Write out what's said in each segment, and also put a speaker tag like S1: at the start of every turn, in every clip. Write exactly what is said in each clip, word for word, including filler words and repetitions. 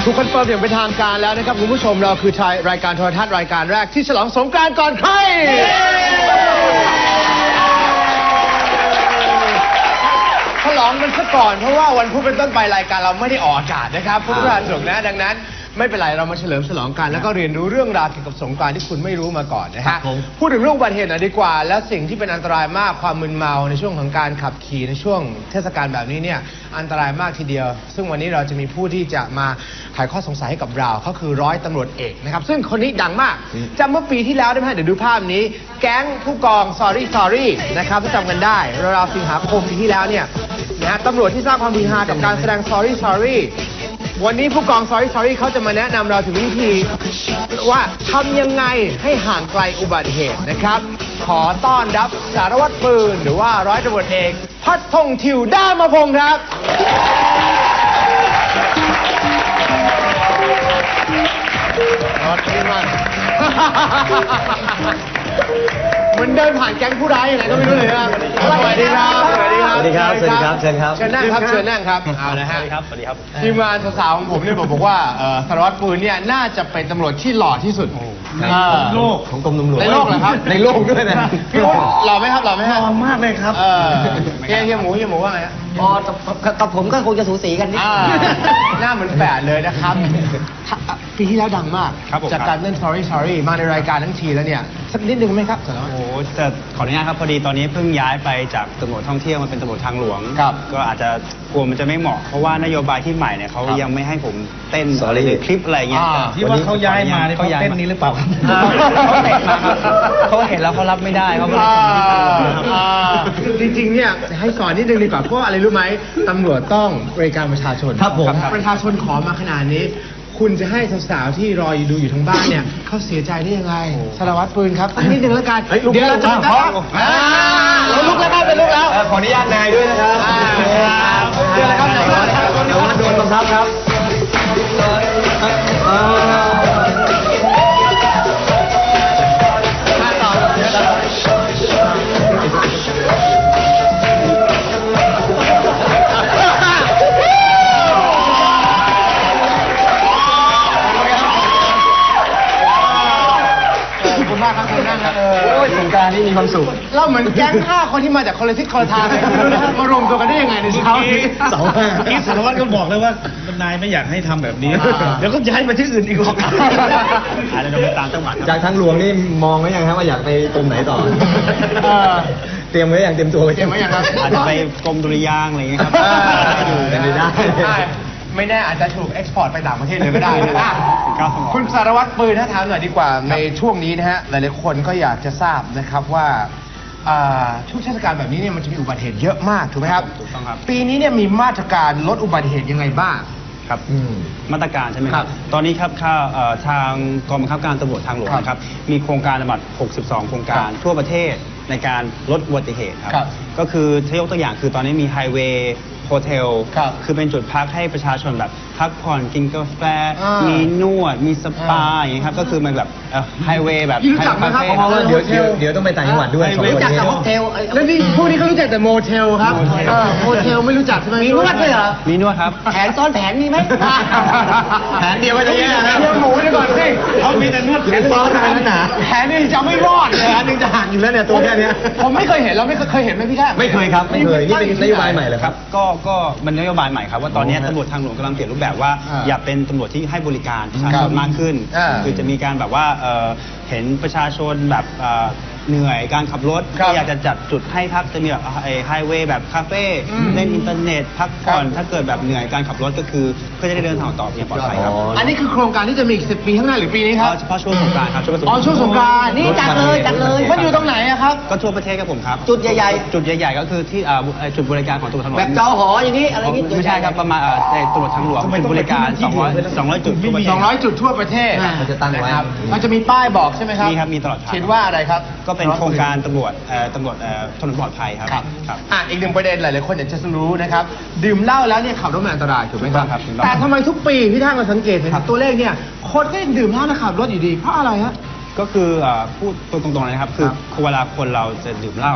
S1: ถูกคอนเฟิร์มอย่างเป็นทางการแล้วนะครับคุณผู้ชมเราคือรายการโทรทัศน์รายการแรกที่ฉลองสงกรานต์ก่อนใครฉลองมันซะก่อนเพราะว่าวันพุธเป็นต้นไปรายการเราไม่ได้ออกอากาศนะครับพุธพฤหัสศุกร์นะดังนั้นไม่เป็นไรเรามาเฉลิมฉลองกันแล้วก็เรียนรู้เรื่องราวเกี่ยวกับสงกรานต์ที่คุณไม่รู้มาก่อนนะฮะพูดถึงเรื่องอุบัติเหตุหน่อยดีกว่าและสิ่งที่เป็นอันตรายมากความมึนเมาในช่วงของการขับขี่ในช่วงเทศกาลแบบนี้เนี่ยอันตรายมากทีเดียวซึ่งวันนี้เราจะมีผู้ที่จะมาไขข้อสงสัยให้กับเราเขาคือร้อยตำรวจเอกนะครับซึ่งคนนี้ดังมากจำเมื่อปีที่แล้วได้ไหมเดี๋ยวดูภาพนี้แก๊งผู้กอง sorry sorry นะครับที่จำกันได้ราวๆสิงหาคมปีที่แล้วเนี่ยนะฮะตำรวจที่สร้างความฮือฮากับการแสดง sorry sorryวันนี้ผู้กอง sorry sorry เขาจะมาแนะนำเราถึงวิธีว่าทำยังไงให้ห่างไกลอุบัติเหตุนะครับขอต้อนรับสารวัตรปืนหรือว่าร้อยตำรวจเอกพัฒพงษ์ทิวด้ามพงษ์ครับรถดีมากเหมือนเดินผ่านแก๊งผู้ร้ายยังไงก็ไม่รู้เลยครับสวัสดีครับสวัสดีครับ
S2: สวัสดีครับ สวัสดีครับ เชิญครับ
S1: เชิญนั่งครับ เชิญนั่งครับ เอาละฮะ
S2: สวัสดีครับ สวัสดีครับ
S1: ทีมงานสาวๆของผมเนี่ยบอกว่าสารวัตรปืนเนี่ยน่าจะเป็นตำรวจที่หล่อที่สุดในโลก
S2: ของกรมตำรวจ
S1: ในโลกเหรอครับ ในโลกด้วยนะพี่วุฒิหล่อไหมครับ หล่อไหมฮะ
S2: หล่อมากเลยครับ
S1: เออเฮียเฮียหมูเฮียหมูว่าไงฮะ
S3: อ๋อกับผมก็คงจะสูสีกันนิด
S1: หน้าเหมือนแฝดเลยนะครับปีที่แล้วดังมากจากการเล่น sorry sorry มาในรายการทั้งทีแล้วเนี่ยสักนิดนึงไหมครับสารวัตร
S4: โอ้แต่ขออนุญาตครับพอดีตอนนี้เพิ่งย้ายไปจากตำรวจท่องเที่ยวมาเป็นตำรวจทางหลวงก็อาจจะกลัวมันจะไม่เหมาะเพราะว่านโยบายที่ใหม่เนี่ยเขายังไม่ให้ผมเต้นหรือคลิปอะไรเงี้ย
S2: ที่ว่าเขาย้ายมาเนี่ยเขาเต้นนี้หรือเปล่าครับ
S4: เขาเตะมาครับเขาเห็นแล้วเขารับไม่ได้เขาก็เลย
S1: จริงๆเนี่ยให้สอนนิดนึงดีกว่าเพราะอะไรรู้ไหมตำรวจต้องบริการประชาชน
S2: ครับผม
S1: ประชาชนขอมาขนาดนี้คุณจะให้สาวๆที่รออยู่ดูอยู่ทางบ้านเนี่ยเขาเสียใจได้ยังไงสารวัตรปืนครับนิดนึงแล้วกันเดี๋ยวเราจะไปเราลุกแล้วครับเป็นลุกแล้ว
S2: ขออนุญาตนายด้วยนะครับ
S1: เดี๋ยวนะครับ
S2: เดี๋ยวโดนบังคับครับโอ้ยสงกรานต์นี่มีความสุข
S1: เราเหมือนแก๊งห้าคนที่มาจากคนละทิศคนละทางเลยมารวมตัวกันได้ยังไงในเช้านี้
S2: เสาห้าที่สารวัตรก็บอกเลยว่านายไม่อยากให้ทำแบบนี้เดี๋ยวก็ย้ายมาที่อื่นอีกหรอก
S4: อาจจะไปตามจังหวัด
S2: จากทางหลวงนี่มองไว้ยังครับว่าอยากไปกรมไหนต่อเตรียมไว้อย่างเตรียมตัวไว้
S1: เตรียมไว้อย่างครับ
S4: อาจจะไปกรมดุริยางค์อะไรอย่างเงี้ยครับ
S2: เป็นไปได้
S1: ไม่แน่อาจจะถูกเอ็กซ์พอร์ตไปต่างประเทศเลยก็ได้นะคุณสารวัตรปืนถ้าถามหน่อยดีกว่าในช่วงนี้นะฮะหลายๆคนก็อยากจะทราบนะครับว่าช่วงเทศกาลแบบนี้เนี่ยมันจะมีอุบัติเหตุเยอะมากถูกไหมครับ
S4: ถูกต้องครับ
S1: ปีนี้เนี่ยมีมาตรการลดอุบัติเหตุยังไงบ้าง
S4: ครับมาตรการใช่ไหมครับตอนนี้ครับทางกองบังคับการตำรวจทางหลวงนะครับมีโครงการทั้งหมดหกสิบสองโครงการทั่วประเทศในการลดอุบัติเหตุครับก็คือถ้ายกตัวอย่างคือตอนนี้มีไฮเวย์โฮเทลคือเป็นจุดพักให้ประชาชนแบบพักผ่อนกินกาแฟมีนวดมีสปาอย่างนี้ครับก็คือมันแบบไฮเวย์แบบ
S1: รู้จักไหมครับ
S2: เพราะว่าเดี๋ยวเดี๋ยวต้องไปต่างจังหวัดด้วย
S3: รู้จักแต่โฮเทล
S1: แล้วนี่พวกนี้เขารู้จักแต่โมเทลครับโฮเทลไม่รู้จักใช่ไหม
S3: มีนวดด้วยเหรอ
S4: มีนวดครับ
S3: แผนซ้อนแผนมีไหม
S1: แผนเดียวก็จะแย่นะเดี๋ยวหมูดีก่อนสิ
S2: เขามีแต่นวดแผนซ้อนแผนหนา
S1: แผนนี่จะไม่รอดเลยอันนึงจะห่างอยู่แล้วเนี่ยตัวแค่นี้ผมไม่เคยเห็นแล้วไม่เคยเห็นไหมพี่แท้
S2: ไม่เคยครับไม่เคยนี่เป็นนโยบายใหม่เหรอครับ
S4: ก็ก็มันนโยบายใหม่ครับว่าตอนนี้ตำรวจทางหลวงกำลังเปลี่ยนรูปแบบว่าอย่าเป็นตำรวจที่ให้บริการประชาชนมากขึ้นคือจะมีการแบบว่าเห็นประชาชนแบบเหนื่อยการขับรถอยากจะจัดจุดให้พักจะมีแบบไฮเวย์แบบคาเฟ่เล่นอินเทอร์เน็ตพักผ่อนถ้าเกิดแบบเหนื่อยการขับรถก็คือเพื่อจะได้เดินทางต่ออย่างปลอดภัยครับ
S1: อันนี้คือโครงการที่จะมีอีกสิบปีข้างหน้าหรือปีนี้ครับ
S4: เฉพาะช่วงสงกรานต์ครับ
S1: อ๋อช่วงสงกรานต์
S3: นี่จัดเลยจัดเลย
S1: มันอยู่ตรงไหนอะครับ
S4: ก็ทั่วประเทศครับผมครับ
S3: จุดใหญ่ๆ
S4: จุดใหญ่ๆก็คือที่จุดบริการของตำรวจทางหลวง
S3: แบบจอหออย่างนี้อะไรนี้
S4: ไม่ใช่ครับประมาณในตำรวจทางหลวงจุดบริการสองร้อยสองร้อยจุด
S1: สองร้อยจุดทั่วประเทศ
S2: มันจะตั้งไว้
S1: มันจะมีป้ายบอกใช่ไหมครับ
S4: มีครับมีตลอด
S1: เขียนว่าอะไรครับ
S4: ก็เป็นโครงการตำรวจตำรวจถนนปลอดภัยครับ
S1: ครับอ่ะอีกหนึ่งประเด็นหลายๆคนอยากจะรู้นะครับดื่มเหล้าแล้วเนี่ยขับรถมันอันตรายถูกไหมครับแต่ทำไมทุกปีพี่ท่านมาสังเกตเห็นตัวเลขเนี่ยคนก็ยังดื่มเหล้าแล้วขับรถอยู่ดีเพราะอะไรฮะ
S4: ก็คือพูดตรงๆเลยนะครับคือเวลาคนเราจะดื่มเหล้า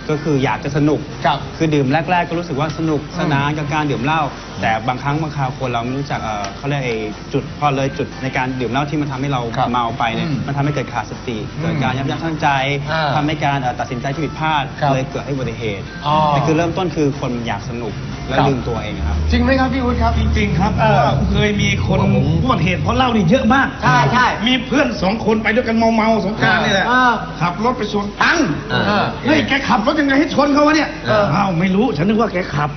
S4: ก็คืออยากจะสนุก
S1: ครับ
S4: คือดื่มแรก ๆ ก็รู้สึกว่าสนุกสนานกับการดื่มเหล้าแต่บางครั้งบางคราวคนเราไม่รู้จักเอ่อเขาเรียกไอ้จุดพอเลยจุดในการดื่มเหล้าที่มันทำให้เรา
S1: ครับ
S4: เมาไปเนี่ย
S1: อืม
S4: มันทำให้เกิดขาดสติเกิดการยับยั้งชั่งใจ
S1: อ่า
S4: ทำให้การเอ่อตัดสินใจที่ผิดพลาด
S1: ครับ
S4: เลยเกิดให้อุบัติเหตุ
S1: อ๋อ
S4: แต่คือเริ่มต้นคือคนอยากสนุกและ
S1: ครับ
S4: ลืมตัวเองครับ
S1: จริงไหมครับพี่วุฒิครับ
S2: จริงๆครับเพราะว่าเคยมีคนอุบัติเหตุเพราะเหล้านี่เยอะมาก
S3: ใช่ใช่
S2: มีเพื่อนสองคนไปด้วยกันเมาๆสงกรานต์นี่แหละ
S3: เออ
S2: ขับรถไปชนตัง
S1: เออ
S2: เฮ้ยแกขับรถยังไงให้ชนเขาวะเนี่ย
S1: เออ
S2: อ้าวไม่รู้ฉันนึกว่าแกขับ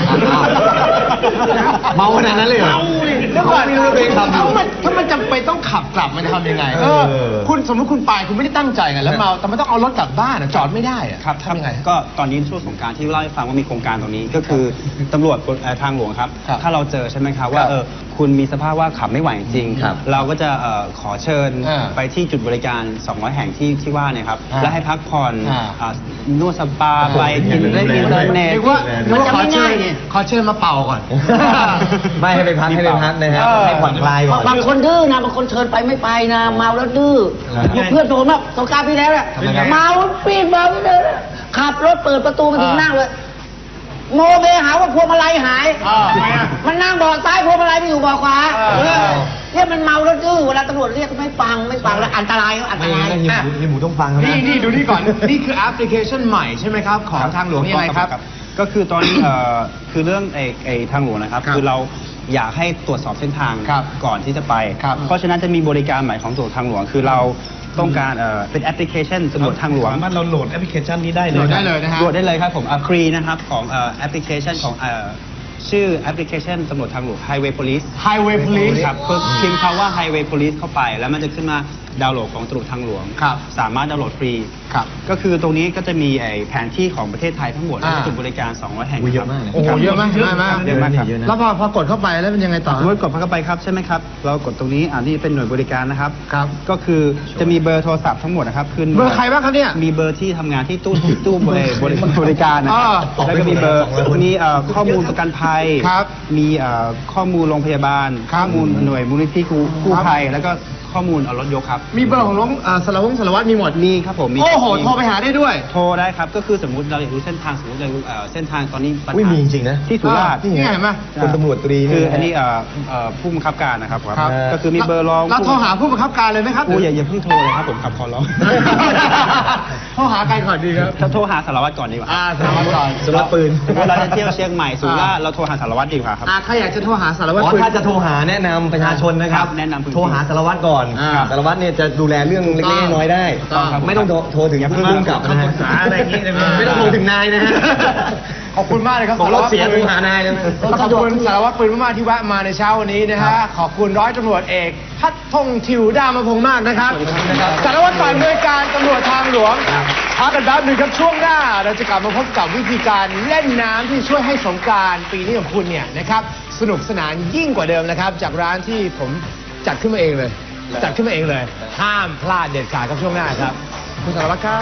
S1: เมาขนาดนั้นเลยเหรอ
S2: เมาดิ
S1: เดี๋ยวก่อนถ้ามันถ้ามันจำเป็นต้องขับกลับมันจะทำยังไงเออคุณสมมติคุณไปคุณไม่ได้ตั้งใจไงแล้วเมาแต่มันต้องเอารถกลับบ้านอะจอดไม่ได้อะ
S4: ครับ
S1: ทำยังไง
S4: ก็ตอนนี้ช่วงสงกรารที่เล่าให้ฟังว่ามีโครงการตรงนี้ก็คือตำรวจเอ่อทางหลวงครับ
S1: ครับ
S4: ถ้าเราเจอใช่ไหมครับ
S1: ค
S4: ว่า
S1: รับ
S4: เออคุณมีสภาพว่าขับไม่ไหวจริง
S1: ครับ
S4: เราก็จะเอ่อขอเชิญ
S1: อ่า
S4: ไปที่จุดบริการ สองร้อย แห่งที่ที่ว่าเนี่ยครับ
S1: อ่า
S4: และให้พักผ่อน
S1: อ่า
S4: อ่านวดสปาไปกิน
S1: ดูแล
S4: เล่นอินเทอร์เน็ต
S1: เรียกว่าเรียกว่าขอเชิญ
S3: มันจะไม่ง่ายไง
S1: ขอเชิญมาเป่าก่อน
S5: ไม่ให้ไปพักให้ไปพักนะฮะ
S1: เออ
S5: ให้ผ่อนคลายก่อน
S3: บางคนดื้อนะบางคนเชิญไปไม่ไปนะเมาแล้วดื้อ
S5: ครับ
S3: มีเพื่อนโดนมาสงกรารพี่แล้วเนี่ย
S5: ทำไมครับ
S3: เมาปีนเมาไม่เดินขับรถเปิดประตูมาถึงนั่งเลย โมเมหาว่าพวงมาลัยหาย
S1: อ่าทำไมอ่ะ
S3: มันนั่งเบาะซ้ายพวงมาลัยไปอยู่เบาะขวา
S1: เออ
S3: เออเนี่ยมันเมาแล้วดื้อเวลาตำรวจเรียกก็ไม่ฟังไม่ฟังแล้วอันตรายอันต
S5: ไม่
S3: ราย
S5: งั้นเฮียหมูเฮียหมูต้องฟังครับ
S1: นี่นี่ดูนี่ก่อน นี่คือแอปพลิเคชันใหม่ใช่ไหมครับ ของทางหลวงยังไงครับ
S4: ก็คือตอนนี้เอ่อคือเรื่องไอ้ไอ้ทางหลวงนะครับ
S1: ครับ
S4: คือเราอยากให้ตรวจสอบเส้นทาง
S1: ครับ
S4: ก่อนที่จะไป
S1: ครับ
S4: เพราะฉะนั้นจะมีบริการใหม่ของตำรวจทางหลวง คือเราต้องการเอ่อเป็นแอปพลิเคชันตำรวจทางหลวง
S2: สามารถเราโหลดแอปพลิเคชันนี้ได้เลย
S1: โหลด
S2: นะ
S1: ได้เลยนะฮะ
S4: โหลดได้เลยครับผมฟรีนะครับของเอ่อแอปพลิเคชันของเอ่อชื่อแอปพลิเคชันตำรวจทางหลวง Highway Police
S1: Highway Police
S4: ครับคือพิมพ์คำว่า Highway Police เข้าไป แล้วมันจะขึ้นมาดาวน์โหลดของตำรวจทางหลวง
S1: ครับ
S4: สามารถดาวน์โหลดฟรี
S1: ครับ
S4: ก็คือตรงนี้ก็จะมีไอ้แผนที่ของประเทศไทยทั้งหมด
S1: อ่า
S4: และจุดบริการ สองร้อย แห่ง
S5: อุ้ยเย
S4: ค
S5: อะ
S4: รับ
S5: มากเลย
S1: โอ้โหเยอะมากเยอะมาก
S4: เยอะมากครับ
S5: เยอะนะ
S1: แล้วพอพอกดเข้าไปแล้วเป็นยังไงต่อ
S4: สมมติกดเข้าไปครับใช่ไหมครับ เรากดตรงนี้อ่านี่เป็นหน่วยบริการนะครับ
S1: ครับ
S4: ก็คือจะมีเบอร์โทรศัพท์ทั้งหมดนะครับขึ้น
S1: เบอร์ใครบ้างครับเนี่ย
S4: มีเบอร์ที่ทำงานที่ตู้ตู้บริบริบริการนะ
S1: อ่า
S4: แล้วก็มีเบอร์มีเอ่อข้อมูลประกันภัย
S1: ครับ
S4: มีเอ่อข้อมูลโรงพยาบาล
S1: ครับ
S4: ข้อมูลหน่วยมูลนิธิกู้กู้
S1: ครับ
S4: ภัย แล้วก็ข้อมูลเอารถยกครับ
S1: มีเบอร์ของน้องเอ่อสารวัตรสารวัตรมีหมด
S4: มีครับผมมี
S1: โอ้โห โทรไปหาได้ด้วย
S4: โทรได้ครับ ก็คือสมมติเราอยากรู้เส้นทางสมมติเราอยากรู้เอ่อเส้นทางตอนนี้ปัญหา
S5: อุ้ยมีจริงๆนะ
S4: ที่สุราษฎร์
S1: นี่ไงเห็นไหม
S5: คนตำรวจตรี
S4: คือ
S5: เย
S4: อันนี้เอ่อเอ่อผู้บังคับการนะครับ
S1: ครับ
S4: ก็คือมีเบอร์รอง
S1: เราโทรหาผู้บังคับการเลยไหมครับ
S4: โอ้ยอย่าอย่าเพิ่งโทรเลยครับผมขับคอร้อง
S1: โทรหาใครก่อนดีครับ
S4: ถ้าโทรหาสารวัตรก่อนดีกว่า
S1: อ่าสารวัตรก่อน
S5: สำหรับปืน
S4: เวลาจะเที่ยวเชียงใหม่สุราษฎร์เราโทรหาสารวัตรดีกว่าครับ
S1: อ่าใครอยากจะโทรหาสารวัตร
S5: อ๋อ
S1: ปืน
S5: ถ้าจะโทรหาแนะนำประชาชนนะครับ
S4: ครับแนะนำพื้นที่
S5: โทรหาสารวัตรก่อน
S1: อ่า
S5: สารวัตรเนี่ยจะดูแลเรื่องเล็กๆน้อยๆได้
S1: ถูกต้องครับ
S5: ไม่ต้องโทรโทรถึง
S4: อย่าเพิ่
S5: ผู้
S4: ง
S5: กำกับนะฮะ
S2: ปรึกษาอะไรอย่างงี้ได้ไหม
S5: ไม่ต้องโทรถึงนายนะฮะ
S1: ขอบคุณมากเลยครับ
S5: บอกรถเสีย
S1: สาร
S5: โทร
S1: วัตร
S5: หานายเลยนะ
S1: ปืนขอบคุณสารวัตรปืนมากๆที่แวะมาในเช้าวันนี้นะฮะ ขอบคุณร้อยตำรวจเอกพัฒพงษ์ทิวดามพงษ์มากนะครับสารวัตรฝ่ายบริการตำรวจทางหลวงพักกันแป๊บหนึงครับช่วงหน้า เราจะกลับมาพบกับวิธีการเล่นน้ำที่ช่วยให้สงกรานต์ปีนี้ของคุณเนี่ยนะครับสนุกสนานยิ่งกว่าเดิมนะครับ จากร้านที่ผมจัดขึ้นมาเองเลย จัดขึ้นมาเองเลย ห้ามพลาดเด็ดขาดครับช่วงหน้าครับ คุณสารวัตรครับ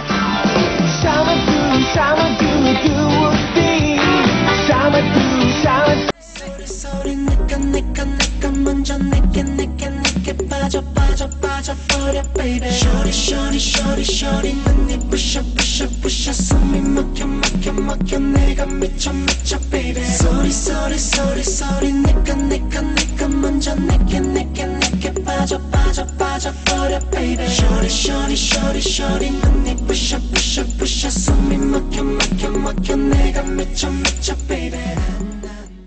S6: Summer do, summer do, do be. Summer do, summer. 소리 내가 내가 내가 먼저 내게 내게 내게 빠져 빠져 빠져 버려 baby. Shorty shorty shorty shorty 눈이 부셔 부셔 부셔 숨이 막혀 막혀 막혀 내가 미쳐 미쳐 baby. 소리 소리 소리 소리 내가 내가 내가 먼저 내게 내게 내게 빠져 빠져 빠져 버려 baby. Shorty shorty shorty shorty 눈이 부셔 부셔 부셔 숨이 막혀 막혀 막혀 내가 미쳐 미쳐 baby.